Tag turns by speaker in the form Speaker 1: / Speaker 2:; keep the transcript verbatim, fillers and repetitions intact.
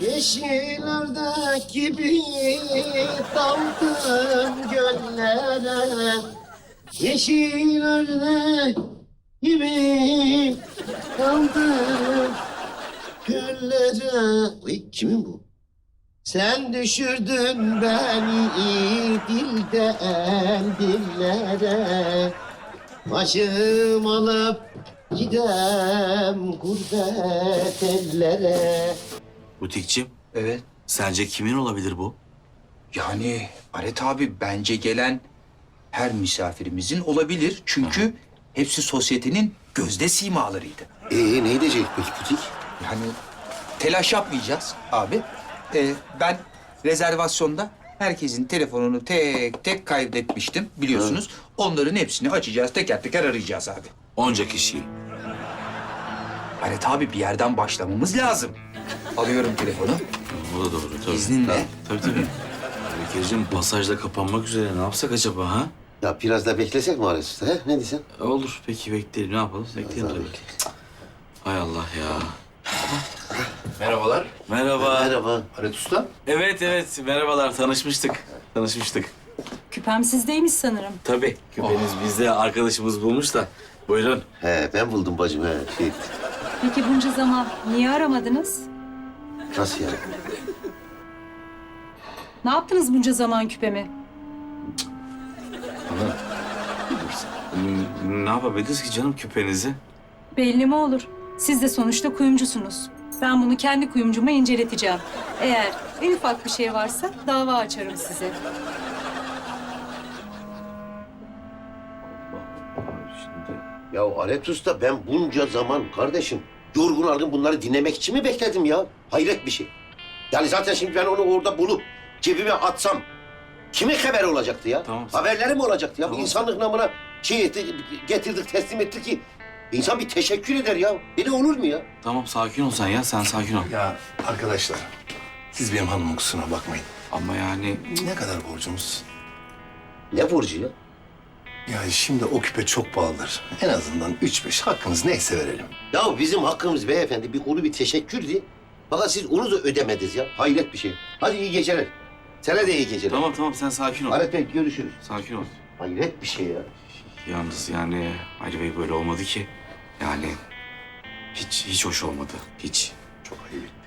Speaker 1: Yeşil ördek gibi daldım göllere. Yeşil ördek gibi daldım göllere. Uy, kimin bu? Sen düşürdün beni dilden dillere. Başım alıp gidem gurbet ellere.
Speaker 2: Butikçim,
Speaker 3: Evet.
Speaker 2: sence kimin olabilir bu?
Speaker 3: Yani Aret abi bence gelen her misafirimizin olabilir. Çünkü hepsi sosyetenin gözde simalarıydı.
Speaker 1: Ee, ne edecek peki butik?
Speaker 3: Yani telaş yapmayacağız abi. Ee, ben rezervasyonda herkesin telefonunu tek tek kaydetmiştim biliyorsunuz. Onların hepsini açacağız, teker teker arayacağız abi.
Speaker 2: Onca kişiyi.
Speaker 3: Aret abi bir yerden başlamamız lazım. Alıyorum telefonu.
Speaker 2: O da doğru tabii.
Speaker 3: İzninle.
Speaker 2: Tabii tabii. Bekir'cim pasajda kapanmak üzere. Ne yapsak acaba ha?
Speaker 1: Ya biraz da beklesek mi Ares Usta, he? Ne diyorsun?
Speaker 2: E, olur peki bekleyelim. Ne yapalım? Bekleyelim tabii ki. Hay Allah ya.
Speaker 4: Merhabalar.
Speaker 2: Merhaba.
Speaker 1: Merhaba.
Speaker 4: Aret Usta.
Speaker 2: Evet evet merhabalar tanışmıştık. Tanışmıştık.
Speaker 5: Küpem sizdeymiş sanırım.
Speaker 2: Tabii küpeniz bizde arkadaşımız bulmuş da. Buyurun.
Speaker 1: He, ben buldum bacım, he. Şey,
Speaker 5: Peki bunca zaman niye aramadınız?
Speaker 1: nasıl yani?
Speaker 5: Ne yaptınız bunca zaman küpemi?
Speaker 2: N- Ne yapabiliriz ki canım küpenizi?
Speaker 5: Belli mi olur? Siz de sonuçta kuyumcusunuz. Ben bunu kendi kuyumcuma inceleteceğim. Eğer en ufak bir şey varsa dava açarım size.
Speaker 2: Şimdi...
Speaker 1: Ya Alet Usta, ben bunca zaman kardeşim yorgun argın bunları dinlemek için mi bekledim ya? Hayret bir şey. Yani zaten şimdi ben onu orada bulup cebime atsam kimin haberi olacaktı ya?
Speaker 2: Tamam.
Speaker 1: Haberleri mi olacaktı ya?
Speaker 2: Tamam.
Speaker 1: Bu insanlık namına şey etti, getirdik, teslim ettik ki insan bir teşekkür eder ya. Böyle olur mu ya?
Speaker 2: Tamam sakin ol sen ya. Sen sakin ol.
Speaker 4: Ya arkadaşlar, siz benim hanımın kusuruna bakmayın.
Speaker 2: Ama yani...
Speaker 4: Ne kadar borcumuz?
Speaker 1: Ne borcu ya?
Speaker 4: Ya şimdi o küpe çok pahalıdır. En azından üç beş hakkınız neyse verelim.
Speaker 1: Ya bizim hakkımız beyefendi bir kuru bir teşekkürdü. Fakat siz onu da ödemediniz ya. Hayret bir şey. Hadi iyi geceler. Sana da iyi geceler.
Speaker 2: Tamam tamam sen sakin ol.
Speaker 1: Alet Bey, görüşürüz.
Speaker 2: Sakin ol.
Speaker 1: Hayret bir şey ya.
Speaker 2: Yalnız yani Ali Bey böyle olmadı ki. Yani hiç hiç hoş olmadı. Hiç.
Speaker 4: Çok ayıp.